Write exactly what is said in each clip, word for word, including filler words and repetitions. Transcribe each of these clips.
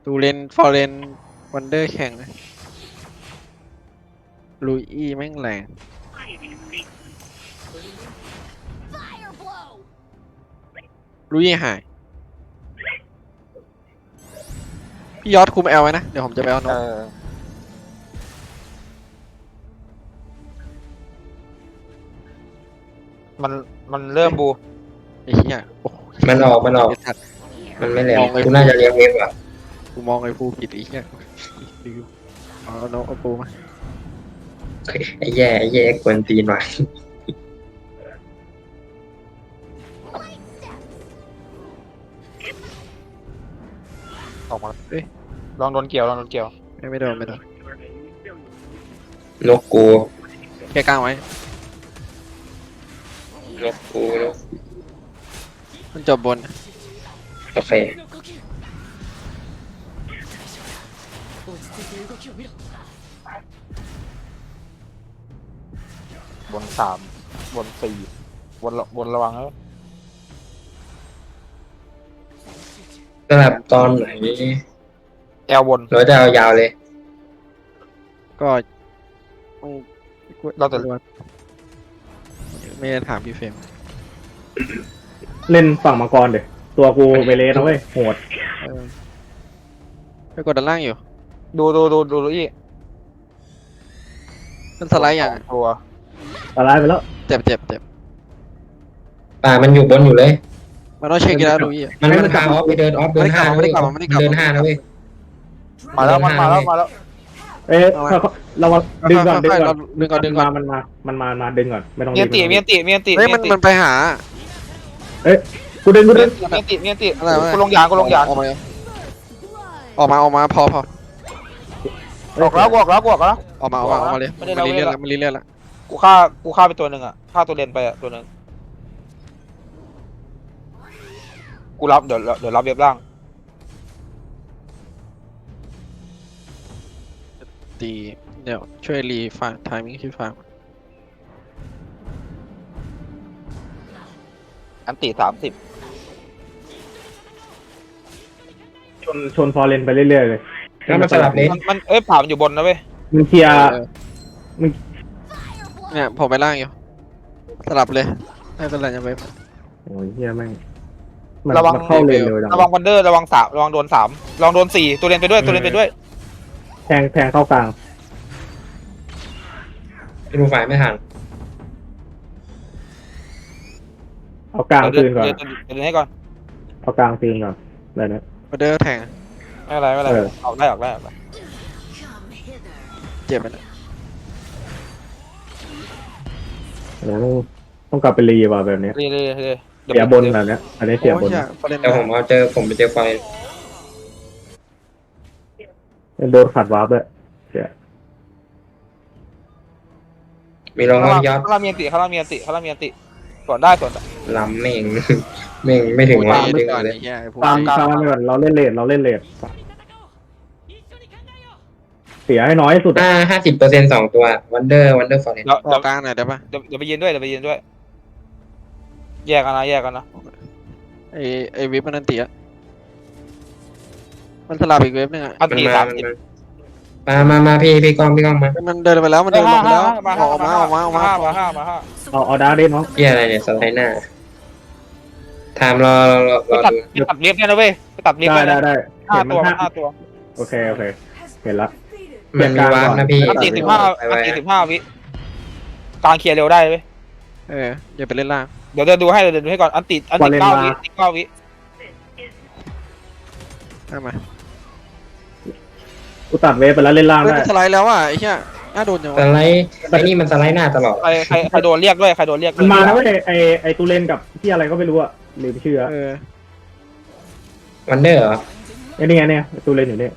ดูเลนฟอร์เรนวันเดอร์แข่งนะลุยอี้แม่งแรงลุยอี้หายพี่ยอดคุมแอลไว้นะเดี๋ยวผมจะไปเอานเอก อมันมันเริ่มบูไอ้เหี้ยโอ้โหมันออกมันออกไอ้สัตว์มันไม่แหลมมองไอ้กูน่าจะเลี้ยงเวฟอ่ะกูมองไอ้ฟูผิดไอ้เหี้ยดูเอานกเอาปูมาไอ้แย่ไอ้แย่กวนตีนว่ะออกมาเอ้ยลองโดนเกี่ยวลองโดนเกี่ยวไม่ไม่โดนไม่โดนนกกูแค่กลางไว้นกกูนกมันจบบนโอเคบนสามบนสี่บนระบนระวังแล้วสำหรับตอนไหนแอลบนเราจะเอายาวเลยก็เราจะไม่ได้ถามพี่เฟรมเล่นฝั่งมังกรเดี๋ยตัวกูเวเลสนะเว้ยโหดเออไปกดด้านล่างอยู่ดูดูดูดูดูอีมันสไลด์อย่างตัวตาลายไปแล้วเจ็บเจ็บเจ็บป่ามันอยู่บนอยู่เลยมันต้องเช็คกีฬาดูอีมันมันพาออฟไปเดินออฟเดินห้านะไม่เว้ได้ยกลับมาไม่ได้กลับมาเดินห้านะเว้ยมาแล้วมันมาแล้วมาแล้วเอ๊ะเรามาดึงก่อนดึงก่อนดึงก่อนดึงก่อนมันมามันมามาดึงก่อนไม่ต้องเมียนติเมียนติเมียนติเฮ้ยมันติมันไปหากูดึงกูดึงเมียนติเมียนติอะไรวะกูลงยางกูลงยางออกมาออกมาออกมาพอพอออกแล้วกูออกแล้วกูออกแล้วออกมาออกมาออกมาเลยไม่ได้มันรีเลียนเราแล้วมันรีเลียนแล้วกูฆ่ากูฆ่าไปตัวหนึ่งอ่ะฆ่าตัวเลนไปอ่ะตัวหนึ่งกูรับเดี๋ยวเดี๋ยวรับเว็บล่างตีเดี๋ยวช่วยรีฟาทามิ่งที่ฟาร์มอันติสามสิบชนชนฟอร์เรนไปเรื่อยๆเลยแล้วมันสลับเลนมันมันเอ้ยผ่ามันอยู่บนนะเว้ยมึงเคลียร์เนี่ยผมไปล่างอยู่สลับเลยไม่เป็นไรจะไปโอ้ยเฮียแม่งมันระวังมันเข้าเลนเร็วจังระวังวันเดอร์ระวังสามระวังโดนสามระวังโดนสี่ตัวเลนไปด้วยตัวเลนไปด้วยแทงแทงเข้ากลางดูฝ่ายไม่ทันเอากลางเดี๋ยวคืนก่อนเดี๋ยวเดี๋ยวเดี๋ยวให้ก่อนเอากลางคืนก่อนอะไรนะออเดอร์แทงไม่เป็นไรไม่เป็นไรเออออกได้ออกได้ออกได้เจ็บไปแล้วโอ้โหต้องกลับไปรีว่ะแบบเนี้ยเรื่อยเรื่อยเรื่อยเสียบนแบบเนี้ยอันนี้เสียบนโอ้ยฟอร์เรนแต่ผมเอาเจอผมไปเจอไฟโดนขัดวาร์ปด้วยเสียมีรองข้างว่าล่างยอดข้างล่างมีอันติข้างล่างมีอันติข้างล่างมีอันติสวนได้สวนได้ลำเม่ง เม่งไม่ถึงว่าดึดึงงก่อนเลไอ้ยเหี้ยไอ้พวกตามนี้ตามไปก่อนเราเล่นเลทเราเล่นเลทเสียให้น้อยที่สุดห้าห้าสิบเปอร์เซ็นต์สองตัววันเดอร์วันเดอร์ฟอร์เรนเดี๋ยวอเดี๋อย กวกลางหน่อยได้ปะเดี๋ยวเดี๋ยวไปยืนด้วยเดี๋ยวไปยืนด้วย แยกกันนะแยกกันนะไอไอวิปมันนันตีอะมันสลับอีกเว็บนึงอะอันมันติมาสามมันสิบมามามาพี่พี่ก้องพี่ก้องมามันเดินไปแล้วมันเดินลงไปแล้วมาอห้าอกมาออกมาออกมาออกมามาห้ามาห้ามาห้าเอาเอาดาร์กเด่นเนาะพี่อะไรเนี่ยสไลด์หน้าไทม์รอรอรอไปรอตัดดูไปตัดเล็บเนี่ยนะเว้ยไปตัดเล็บได้เนี่ยได้นะได้ห้าเห็นตัวมันห้าตัวโอเคโอเคเห็นละมันมีวาร์ปนะพี่อันติสิบห้าไปอันไว้ติสิบห้าวิกลางเคลียร์เร็วได้เว้ยเอออย่าไปเล่นล่างเดี๋ยวเดินดูให้เดี๋ยวเดินดูให้ก่อนอันติอันติเก้าวิอันติเก้าวิได้มากูตัดเวฟไปแล้วเล่นล่างเฮ้ยได้มันสไลด์แล้วอ่ะไอ้เหี้ยน่าโดนจังสวะไลด์ไอ้นี่มันสไลด์หน้าตลอดใครใครใครโดนเรียกด้วยใครโดนเรียกด้มัวนมาแล้วเว้ยไอไอตูเลนกับที่อะไรก็ไม่รู้อะลืมชื่ออะเออวันเดอร์เหรอไอ้นี่ไงเนี่ยตูเลนอยู่เนี่ย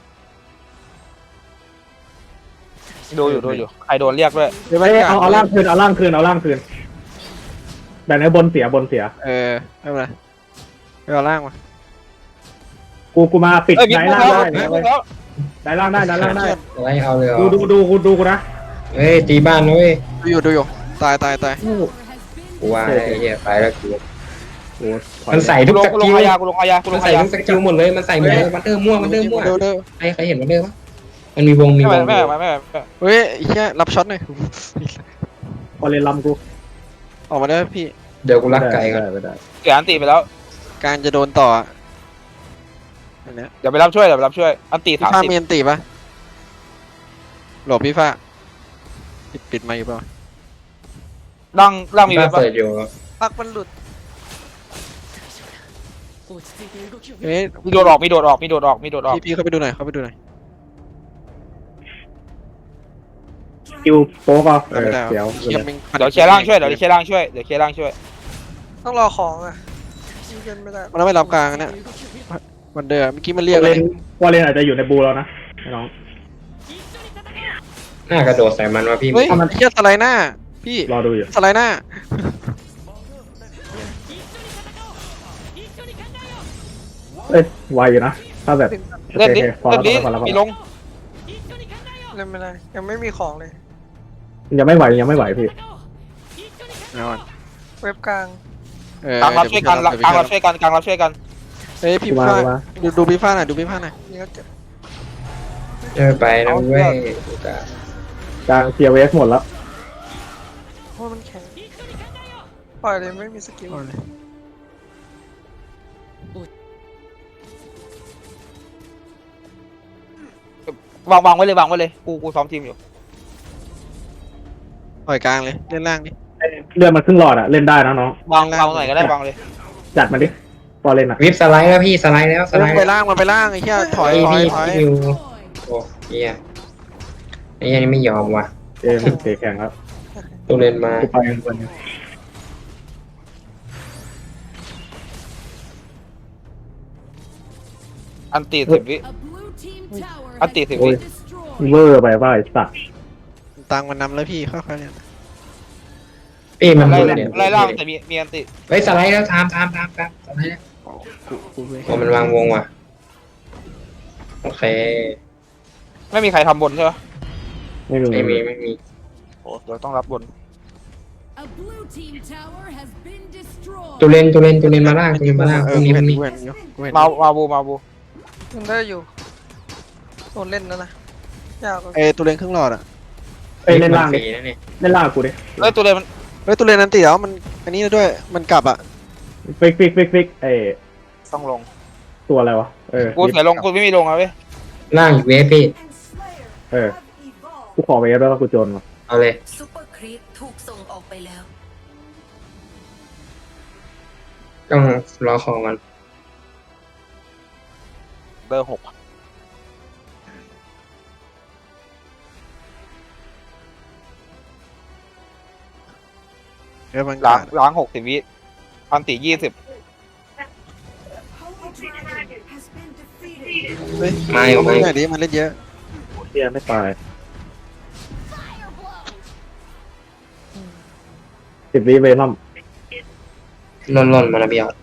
ดูอยู่ดูอยู่ใครโดนเรียกด้วยเดี๋ยวไม่ไม่เอาเอาล่างคืนเอาล่างคืนเอาล่างคืนแบบนี้บนเสียบนเสียเออไม่เป็นไรไปเอาล่างมากูกูมาปิดเอ้ยมีได้พวกล่างแล้วได้มีพวกแล้วได้ล่างได้ได้ล่างได้สไลด์เอาเลยเหรอดูดูดูกูดูกูนะเฮ้ยตีบ้านนะเว้ยดูอยู่ดูอยู่ตายตายตายกูว่าไอ้เหี้ยไปแล้วกูโอ้ถอยมันใส่กูทุกลงสกูลกิงลอายากูลงอายากูลมันงใส่อายาทุกสกิลหมดเลยมันใส่หมดเลยวันเดอร์ม่วงวันเดอร์ม่วงเดอเดอใครใครเห็นวันเดอร์ปะมันมีวงมีไม่วไม่งไม่ไม่ไม่ไม่เฮ้ยไอ้เหี้ยรับช็อตหน่อยพอเล่นลำกูออกมาได้พี่เดี๋ยวกูรักไก่ก่อนได้ไม่ได้เสียอันตีไปแล้วการจะโดนต่ออันเนี้ยเดี๋ยวไปรับช่วยเดี๋ยวไปรับช่วยอันตีพี่สามฟ้าสิบมีอันตีปะหลบพี่ฟ้าปิดปิดไมค์อยู่เปล่าร่างร่างมีมีเว็บปะเปิดอยู่ปักมันหลุดเฮ้ยมีโดดออกมีโดดออกมีโดดออกมีโดดออกพี่พี่เข้าไปดูหน่อยเข้าไปดูหน่อยคิวโป๊กเอาเอไม่อได้เดี๋ยวเหี้ยแม่งเดี๋ยวเคลียร์ร่างช่วยเดี๋ยวเคลียร์ร่างช่วยเดี๋ยวเคลียร์ร่างช่วยต้องรอของอ่ะยิงกันไม่ได้มันไม่รับกลางนะวันเดอร์เมื่อกี้มันพเรียอกเลเล่ยนพอเล่นอาจจะอยู่ในบูแล้วนะน้องหน้ากระโดดใส่มันวะพี่เฮ้ยไอ้เหี้ยสไลด์หน้าพี่รอดูอยู่สไลด์หน้าเอ้ยไวอยู่นะถ้าแบบเล่นดิโอเล่นเคดิโอเคพอแล้วพอแล้วพอมีแล้วลงเล่นไม่ได้ยังไม่มีของเลยยังไม่ไหวยังไม่ไหวพี่เอาก่อนเว็บกลางเออกลางรับช่วยกันกลางรับช่วยกันกลางรับช่วยกันเฮ้ยพี่มาฟ้ามาดูดูพี่ฟ้าหน่อยดูพี่ฟ้าหน่อยนี่ก็เจ็บเออไปนะเว้ยกลางเซียเวสหมดแล้วเพราะมันแข็งปล่อยเลยไม่มีสกิลเอาเลยวางวางไว้เลยวางไว้เลยกูกูซ้อมทีมอยู่ปล่อยกลางเลยเล่นล่างดิเลือดมันครึ่งหลอดอะเล่นได้นะน้องวางวางตรงไหนก็ได้วางเลยจัดมันดิพอเล่นอะวิบสไลด์แล้วพี่สไลด์แล้วสเฮ้ยไลมันด์ไปล่างมันไปล่างไอ้เหี้ยถอยพี่ถอยพี่ถอยพี่อยู่โอ้เฮียไอ้เหี้ยนี่ไม่ยอมว่ะเกมเตะแข่งครับตัวเล่นมากูไปกันคนอันตีสิบวิ อันตีสิบวิเวอร์ไปว่าไอ้สัตว์ตังค์มันนำแล้วพี่ค่อยๆเล่นพี่มันไล่ดูเนี่ยไล่ล่างแต่มีมีอันตีเฮ้ยสไลด์แล้วทามทามทามทามสไลด์แล้วกูกูเลยโอ้มันวางวงว่ะโอเคไม่มีใครทำบนใช่ไหมไม่มีไม่มีไม่มีโอ้เราต้องรับบนตัวเล่นตัวเล่นตัวเล่นมาล่างตัวเล่นมาล่างเอตรองนี้กูตรเห็นงนี้กูเห็นอยู่กูเห็นมามาบูมาบูมันได้อยู่โดนเล่นนะนะยากกว่าเอ้ตัวเล่นครึ่งหลอดอ่ะเอ้ยเล่นล่างฟดิรีนะเนี่ยเล่นล่างกูดิเอ้ยตัวเลยมันเฮ้ยตัวเล่นนั้นตีแล้วมันอันนี้ด้วยมันกลับอ่ะฟิกฟิกฟิกฟิกเอ้ยต้องลงตัวอะไรวะเออกูใส่ลงกูไม่มีลงอะเว้ยล่างอยู่เวฟพี่เออกูขอเวฟแล้วก็กูโจนว่ะเอาเลยซูเปอร์ครีปถูกส่งออกไปแล้วต้องรอของมันเบอร์หกเดี๋ยวมันล้างล้างหกสิบวิอันตียี่สิบเฮ้ยมาอยู่เอามามาอยู่หน่อยดิมันเล่นเยอะเฮียไม่ตายสิบวิเวนัมล่นล่นมาระเบียว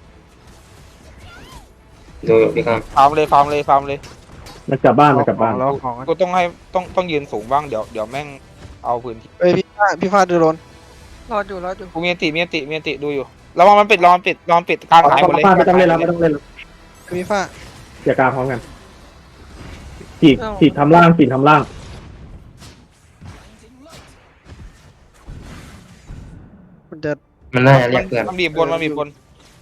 ดูอยู่พี่ครับฟาร์มเลยฟาร์มเลยฟาร์มเลยมันกลับบ้านมันกลับบ้านแล้วของกูต้องให้ต้องต้องยืนสูงบ้างเดี๋ยวเดี๋ยวแม่งเอาพื้นที่เอ้ยพี่ฟ้าพี่ฟ้าดูโดนรอดอยู่รอดอยู่กูมีอันติมีอันติมีอันติดูอยู่ระวังมันปิดระวังมันปิดระวังมันปิดกลางหายหมดเลยไม่ต้องเล่นแล้วไม่ต้องเล่นแล้วพี่ฟ้าอย่ากลางพร้อมกันฉีกฉีกทำล่างฉีกทำล่างมันจะมันน่าจะเรียกเพื่อนมันบีบบนมันบีบบน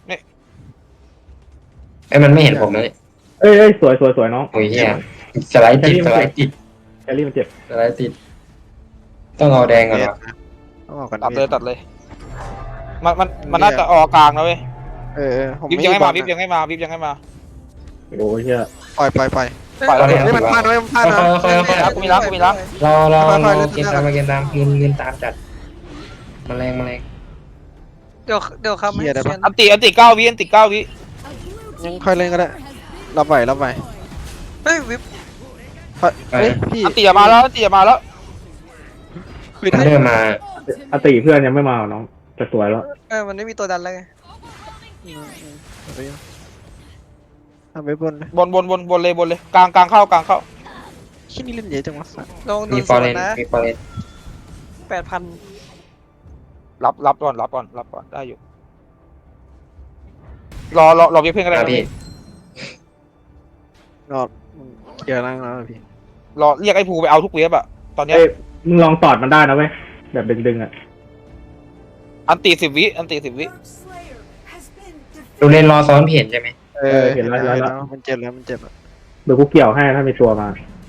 ไอ้ยมันไม่เห็นผมนะเนี่ยเอ้ยเอ้ยสวยสวยสวยน้องโอ้ยเฮียสไลด์ติดสไลด์ติดแคลรี่มันเจ็บสไลด์ติด ต้องเอาแดงก่อนเวทวะนะต้องออกกันตัดเลยวทตัดเลย มันมันมันน่าจะออกกลางนะเว้ยเออเออผมวิบไม่ยังไม่มาบอลวิบนะยังไม่มาวิบยังไม่มาโอ้ยเฮียปล่อยปล่อยปล่อยปล่อยแล้วเฮ้เนี่ยเฮ้ยมันพลาดนะเว้ยมันพลาดนะค่อยๆค่อยๆค่อยรับกูมีรับกูมีรับๆรอรอค่รอยๆอเล่นเกมตามมาเกมตามเงินเงินตามจัดแมาแรงมาแรงเดี๋ยวเดี๋ยวครับไม่เหี้ยได้เชีปะยนอันติอันติเก้าวิอันติเก้าวิยังค่อยเล่นก็ได้รับไหวรับไหวเฮ้ยวิบค่อยเฮ้ยพี่อันติอย่ามาแล้วอันติอย่ามาแล้วคุยมันได้เริ่มมาอติเพื่อนยังไม่มาน้องจะสวยแล้วเออมันไม่มีตัวดันแล้วไงทำไปบนเลยบนบนบนบนเลยบนเลยกลางกลางเข้ากลางเข้าชิ้นนี้เล่นเยอะจังวะสัสลองโดมีนฟสอวร์เรนนนะมีฟอร์เรนแปดพันรับรับก่อนรับก่อนรับก่อนได้อยู่รอรอรอเว็บเพื่อนก็ได้มานะพี่รอเคลียร์ล่างแล้วพี่รอเรียกไอ้ภูไปเอาทุกเว็บอะตอนเนี้ยเอ้ยมึงลองตอดมันได้นะเว้ยแบบดึงๆอ่ะอันตีสิบวิอันตีสิบวิดูเลนรอซ้อนเห็นใช่ไหมเออเห็นแล้วมันเจ็บแล้วมันเจ็บแล้วเดี๋ยวกูเกี่ยวให้ถ้ามีตัวมา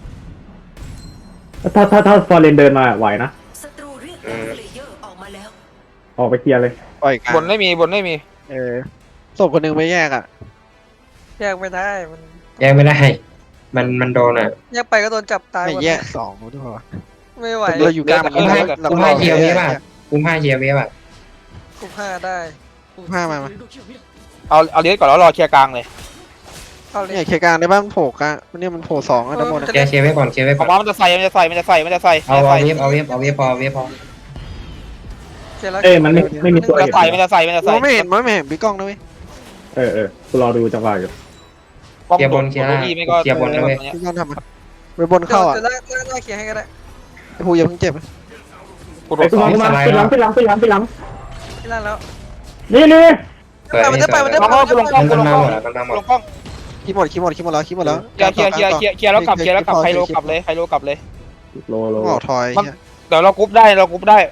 ถ้าถ้าถ้าฟอร์เรนเดินมาไหวนะศัตรูเรียกดาร์คเลเยอร์ออกมาแล้วออกไปเคลียร์เลยปล่อยกลางบนไม่มีบนไม่มีเออศพคนหนึ่งไม่แยกอ่ะแยกไม่ได้มันแยกไม่ได้ มันมันโดนอ่ะแยกไปก็โดนจับตายไม่หมดแยกสองด้วยวะไม่ไหวเราอยู่กลางมันกูให้เรากูให้เคียวเวฟอ่ะกูให้เคียวเวฟอ่ะกุมห้าได้ผ้ามามาเอาเอาเลสก่อนแล้วรอเคลียร์กลางเลยเอาเลยเนี่ยเคลียร์กลางได้บ้างโผล่กลางมันเนี่ยมันโผล่สองอ่ะทั้งหมดเคลียร์เคลียร์ไว้ก่อนเคลียร์ไว้อก่ออก นมามันจะใส่มันจะใส่มันจะใส่มันจะใส่มันเอาจะเอาใส่เวฟเอาเวฟเอาเวฟพอเวฟพอเสร็จแล้วเอ้ยมันไม่ไม่มีตัวมันเห็จะนใส่มันจะใส่มันจะใส่มันไม่เห็นมันไม่เห็นพี่กล้องนะเว้ยเออเออกูรอดูจังหวะอยู่ป้อมเคลียร์บนโดเคลียร์โดล่างนอีไม่ก็เคลียร์บนนะเว้ยพี่กล้องทำมาไปบนเข้าอ่ะเดี๋ยวล่างล่างล่างเคลียร์ให้ก็ได้หูอย่าเพิ่งเจ็บกูโดไอ้นกูสอมาง กูมาไปหลังไปหลังไปหลังไปหลังที่ล่างแล้วนี่นี่เปิดมันให้ได้เปิไปดมันได้มันไปก็กูลงกล้องมันกูลมางกล้องหมดแล้วมันมาหมดกูลงกล้องคิดหมดคิดหมดคิดหมดแล้วคิดหมดแล้วเคลียร์เคลียร์เคลียร์เคลียร์เคลียร์แล้วกลับเคลียร์แล้วกลับไคโลกลับเลยไคโลกลับเลยโลโลต้องออกทอยเดี๋ยวเรากรุ๊ปได้เรากรุ๊ปได้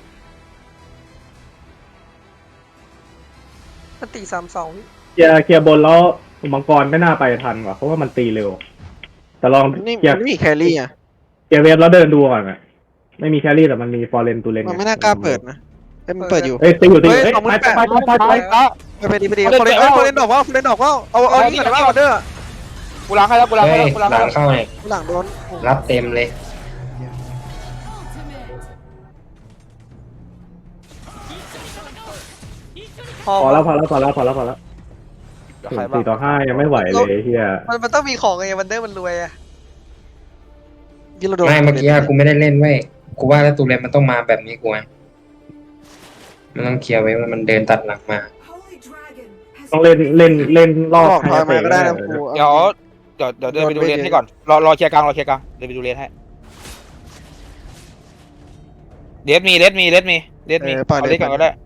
มันตีสามสองวิเคลียร์เคลียร์บนแล้วมังกรไม่น่าไปทันว่ะเพราะว่ามันตีเร็ว แต่ลองนี่เคลียร์มันไม่มีแครี่อ่ะเคลียร์เวฟแล้วเดินดูก่อนอ่ะไม่มีแครี่แต่มันมีฟอร์เรนตูเลนมันไม่น่ากล้าเปิดนะเอ้ยมันเปิดอยู่เอ้ยตีอยู่ตีอยู่เฮ้เฮ้ยยสองหมื่ไปนแปดไปไปไปไปไปอ่ะไปไปดีไปดีฟอร์เรนเอ้ยฟอร์เรนดอกว่าฟอร์เรนดอกว่าเอาเอานี่ก่อนได้ป่ะออเดอร์กูล้างให้แล้วกูล้างเฮ้ให้ยแล้วกูล้างหให้ลัแล้วงเข้าเลยหลังโดนรับเต็มเลยพอพอแล้วพอแล้วพอแล้วพอแล้วพอแล้วเดี๋ยวใครบ้างสี่ต่อห้ายังไม่ไหวเลยเฮียมันมันต้องมีของไงมันเดอร์มันรวยอะยี่เราโดนไม่เมื่อกี้กูไม่ได้เล่นเว้ยกูว่าแล้วตูเลนมันต้องมาแบบนี้กูไงมันต้องเคลียร์ไว้ว่ามันเดินตัดหลังมาต้องเล่นเล่นเล่นรออบอกทอยมาก็ได้นะครูเดี๋ยวเดี๋ยวเดี๋ยวเดินไปดูเลนให้ก่อนรอรอเคลียร์กลางรอเคลียร์กลางเดินไปดูเลนให้เลสมีเลสมีเลสมีเลสมีเอาเลสก่อนก็ได้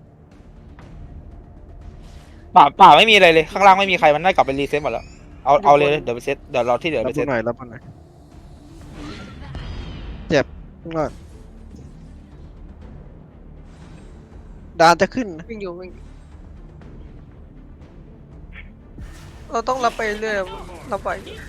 ป่าป่าไม่มีอะไรเลยข้างล่างไม่มีใครมันได้กลับไปรีเซ็ตหมดแล้วเอาเอาเลยเดี๋ยวไปเซ็ตเดี๋ยวรอที่เหลือรับไปเซ็ตหน่อยรับหน่อยเจ็บก่อนดานจะขึ้นนะวิ่งอยู่วิ่งอยู่เราต้องรับไปเรื่อยรับไป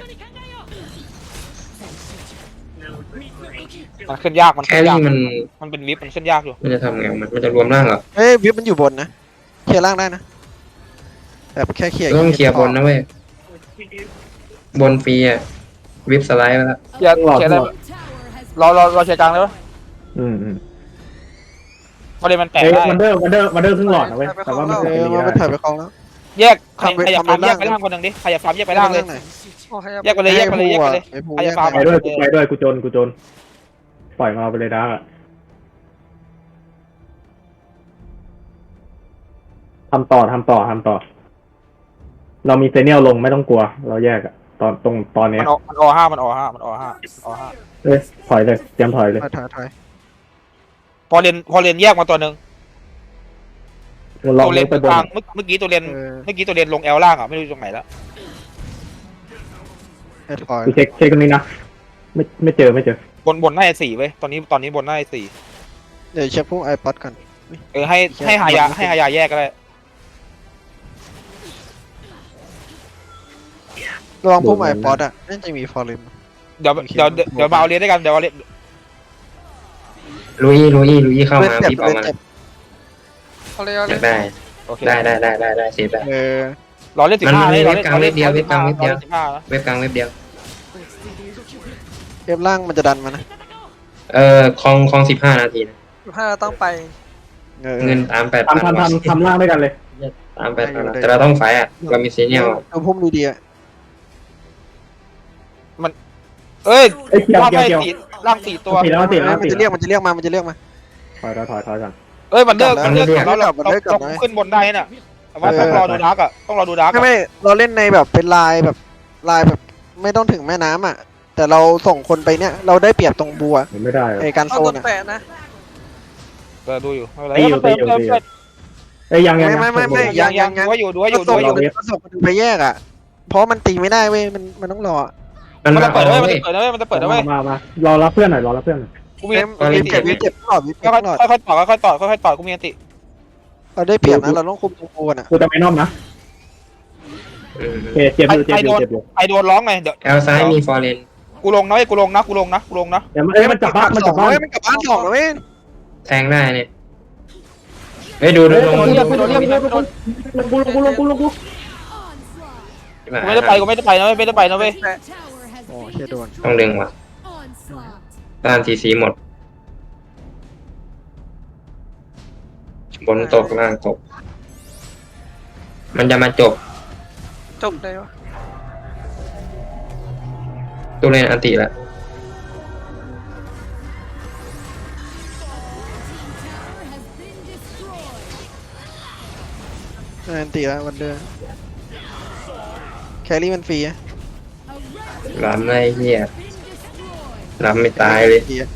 มันขึ้นยากมันแคขึ้นยารี่กมันมันเป็นวิปมันขึ้นยากอยู่มันจะทำไงมันมันจะรวมร่างเหรอเฮ้ยวิบมันอยู่บนนะเคลียร์ล่างได้นะแบบแค่เคลียร์ต้องเคลียร์บนนะเว้ยบนฟรีอ่ะวิปสไลด์ไปแล้วเคลียร์เคลียร์ได้รอรอรอเคลียร์กลางเลยปะอืมอืมประเด็นมันแตกเอ้ยได้วันเดอร์วันเดอร์วันเดอร์ครึ่งหลอดนะเว้ยแต่ว่ามันเอจะอตีมันได้ถอยไปคลองแล้วแยกใครทำไปใครอยากฟาร์มทำไปแยกไปล่างล่างคนหนึ่งดิใครอยากฟาร์มแยกไปล่างเลยโอ้ยแยกไปเลยแยกไปเลยแยกไปเลยไอ้ภูใครแยจะกฟาร์มไปด้วยกูไปด้วยกูจนกูจน ปล่อยมาเอาไปเลยดาร์กอะทำต่อทำต่อทำต่อ เรามีเซเนียลลงไม่ต้องกลัว เราแยกอะตอนตรงตอนเนี้มัยนอมันอห้ามันอห้ามันอห้าอห้าเอ้ยถอยเลยเตรียมถอยเลยถอยถอยถอยพอเรียนพอเรียนแยกมาตัวหนึ่งลองตัวเลเรียยนไปบกนลางเมื่อเมื่อกี้ตัวเรียนเออเมื่อกี้ตัวเรียนลงแอลล่างอ่ะไม่รู้อยู่ตรงไหนแล้วให้ถอยกูเช็คเช็คตรงนี้นะไม่ไม่เจอไม่เจอบนบนหน้าสี่เว้ยตอนนี้ตอนนี้บนหน้าสี่เดี๋ยวเช็คพวกไอพอดก่อนเออให้ให้หายาให้หายาแยกก็ได้ระวังพวกไอพอดอ่ะน่าจะมีฟอร์เรนเดี๋ยวเดี๋ยวเดี๋ยวมาเอาเรียนด้วยกันเดี๋ยวเอาเรียนลุยลุยลุยเข้าเล่นมาเจ็บวิปออกเล่นมาเจ็บเอาเลยเอาอเลยยากได้โอเคได้ได้ได้ได้ได้เซฟได้เออรอเล่นสิบห้ามันเลยมันเว็บกลางเว็บเดียวเว็บกลางเว็บเดียวสิบห้านะเว็บกลางเว็บเดียวเอฟล่างมันจะดันมานะเอ่อคลองคลองสิบห้านาทีนะถ้าเราต้องไปเออเงินตามแปดพันทำทำทำทำล่างด้วยกันเลยตามแปดพันแต่เราต้องไฟอ่ะเรามีเซเนียลเอาพุ่มดีๆอ่ะเอ้ยเอ้ยเกี่ยวล่างเกี่ยวไม่เกี่ยวสี่ล่างสี่ตัวตีแล้วตีแล้วมันตีจะแล้เรียว กมันจะเรียกมามันจะเรียกมาถอยถอยถอยถอยกันเอ้ยมันเลิกกลัมับนแล้วเลิกก่อนแล้วเรากลับแล้วเรากลับแล้วเราขึ้นบนได้น่ะแต่ว่าต้องรอดูดาร์กอ่ะต้องรอดูดาร์กไม่ไม่เราเล่นในแบบเป็นลายแบบลายแบบไม่ต้องถึงแม่น้ำอ่ะ แต่เราส่งคนไปเนี่ยเราได้เปรียบตรงบัวไม่ได้ไอการเอาโซโดนนอ่ะแปะนะเออดูอยู่ไม่เป็นไรตีอยู่เติมตีอยู่เติมตีอยู่เติมเอ้ยยังยังไม่ไม่ไม่ยังยังดูว่าอยู่ดูว่าอยู่ดูส่งว่าอยู่มันส่งคนไปแยกอ่ะ เพราะมันตีไม่ได้เว้ยมันมันต้องรอมันมันมาจะเปิดเอานะเว้ยมันเว้ยจะเปิดนะเว้ยมันจะเปิดนะเว้ยมามารอรับเพื่อนหน่อยรอรับเพื่อนหน่อยกูมีเอ็มตอนนี้วิเจ็บวิเจ็บตลอดวิเจ็บค่อยตลอดๆค่อยๆต่อค่อยๆต่อค่อยๆต่อกูมีอันติเราได้เปรียบนะเราต้องคุมตัวกันอ่ะกูจะไปนอมนะอืมโอเคเจ็บอยู่เจ็บอยู่เจ็บอยู่ไอโดนร้องไงเดี๋ยวแอลซ้ายมีฟอร์เรนกูลงนะเว้ยกูลงนะกูลงนะกูลงนะเดี๋ยวมันเอ้ยมันจับบ้านมันจับบ้านเฮ้ยมันกลับบ้านสองแล้วเว้ยแทงได้เนี่ยเฮ้ยดูดูเฮ้ยลงโดนดูเรียกโดนเรียกโดนลงกูลงกูลงกูลงกูกูไม่ได้ไปกูไม่ได้ไปนะเว้ยไม่ได้ไปนะเว้ยโอ้เชี่ยโดนต้องดึงว่ะต้านทีซีหมด บนตกล่างตก มันจะมาจบจบเลยวะตู้เล่นอันติละนันตีแล้ววันเดือนแครี่มันฟรีอะล้ำเลยเฮียล้ำไม่ตายเลยฟรีอะ